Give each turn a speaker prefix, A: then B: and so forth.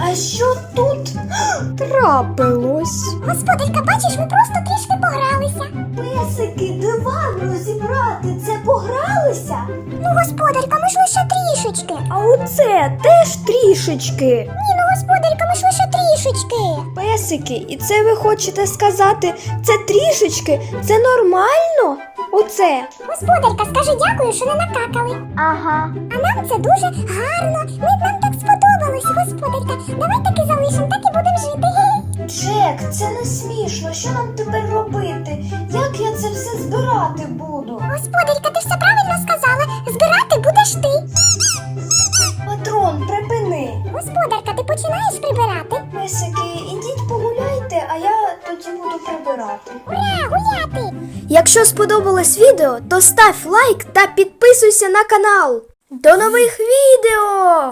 A: А що тут трапилось?
B: Господарка, бачиш, ми просто трішки погралися.
A: Песики, диван розібрати, це погралися?
B: Ну, господарка, ми ж лише трішечки.
A: А оце теж трішечки.
B: Ні, ну, господарка, ми ж лише трішечки.
A: Песики, і це ви хочете сказати, це трішечки? Це нормально? Оце?
B: Господарка, скажи дякую, що не накакали.
A: Ага.
B: А нам це дуже гарно. Нам так сподобалось, господарка. Давай так і залишимо, так і будемо жити.
A: Джек, це не смішно. Що нам тепер робити? Як я це все збирати буду?
B: Господарка, ти все правильно сказала. Збирати будеш ти.
A: Патрон, припини.
B: Господарка, ти починаєш прибирати?
A: Песики, ідіть погуляйте, а я тоді буду прибирати.
B: Ура, гуляти!
A: Якщо сподобалось відео, то став лайк та підписуйся на канал. До нових відео!